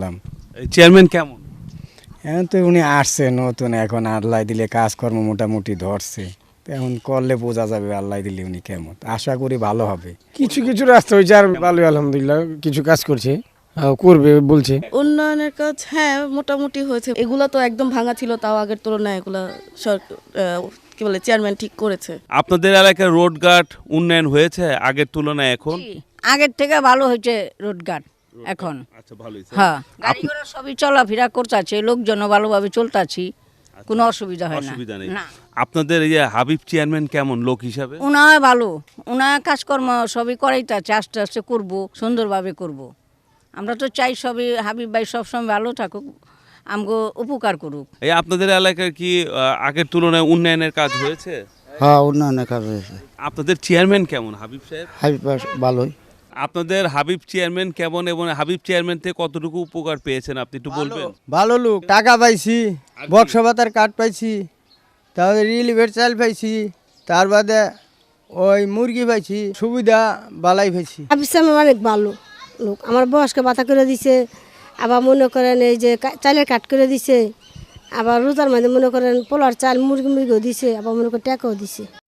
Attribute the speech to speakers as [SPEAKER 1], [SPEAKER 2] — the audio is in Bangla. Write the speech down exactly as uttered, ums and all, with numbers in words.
[SPEAKER 1] করলাম।
[SPEAKER 2] চেয়ারম্যান কেমন?
[SPEAKER 1] এখন তো উনি আসছে নতুন, এখন আল্লাহ দিলে কাজকর্ম মোটামুটি ধরছে, তো এখন করলে বোঝা যাবে আল্লাহ দিলে উনি কেমন। আশা করি ভালো হবে।
[SPEAKER 3] কিছু কিছু রাস্তা হয়েছে আর ভালোই আলহামদুলিল্লাহ, কিছু কাজ করছে, আহ, করবে বলছে।
[SPEAKER 4] উন্নয়নের কাজ হ্যাঁ মোটামুটি হয়েছে। এগুলা তো একদম ভাঙা ছিল, তাও আগের তুলনায় এগুলা সরকার কি বলে চেয়ারম্যান ঠিক করেছে।
[SPEAKER 2] আপনাদের এলাকার রোডঘাট উন্নয়ন হয়েছে আগের তুলনায় এখন?
[SPEAKER 5] জি, আগের থেকে ভালো হয়েছে রোডঘাট এখন।
[SPEAKER 2] আচ্ছা, ভালোই।
[SPEAKER 5] হ্যাঁ, গাড়ি ঘোড়া সবই চলাফেরা করতেছে, লোকজনও ভালোভাবে চলতেছি, কোনো অসুবিধা হয় না।
[SPEAKER 2] অসুবিধা নেই।
[SPEAKER 5] না,
[SPEAKER 2] আপনাদের এই যে হাবিব চেয়ারম্যান কেমন লোক হিসাবে?
[SPEAKER 5] উনায় ভালো, উনায় কাজকর্ম সবই করাইতেছে, আস্তে আস্তে করব, সুন্দরভাবে করব। আমরা তো চাই সবই হাবিব ভাই সবসময় ভালো থাকুক, আমগো উপকার করুক।
[SPEAKER 2] এই আপনাদের এলাকার কি আহ, আগের তুলনায় উন্নয়নের কাজ হয়েছে?
[SPEAKER 6] হ্যাঁ, উন্নয়নের কাজ হয়েছে।
[SPEAKER 2] আপনাদের চেয়ারম্যান কেমন হাবিব সাহেব?
[SPEAKER 6] হাবিব ভালোই।
[SPEAKER 2] আপনাদের হাবিব চেয়ারম্যান কেমন এবং হাবিব চেয়ারম্যান থেকে কতটুকু উপকার পেয়েছেন আপনি একটু বলবেন?
[SPEAKER 7] ভালো লোক, টাকা পাইছি, বক্স ভাতার কার্ড পাইছি, তারপরে রিলিভের চাল পাইছি, তার বাদে ওই মুরগি পাইছি, সুবিধা বালাই পাইছি।
[SPEAKER 8] হাবিব সাহেব অনেক ভালো লোক, আমার বয়সকে বাতা করে দিছে, আবার মনে করেন এই যে চালের কাট করে দিছে, আবার রোজার মধ্যে মনে করেন পোলার চাল মুরগি মুরগিও দিছে, আবার মনে করেন টাকাও দিছে।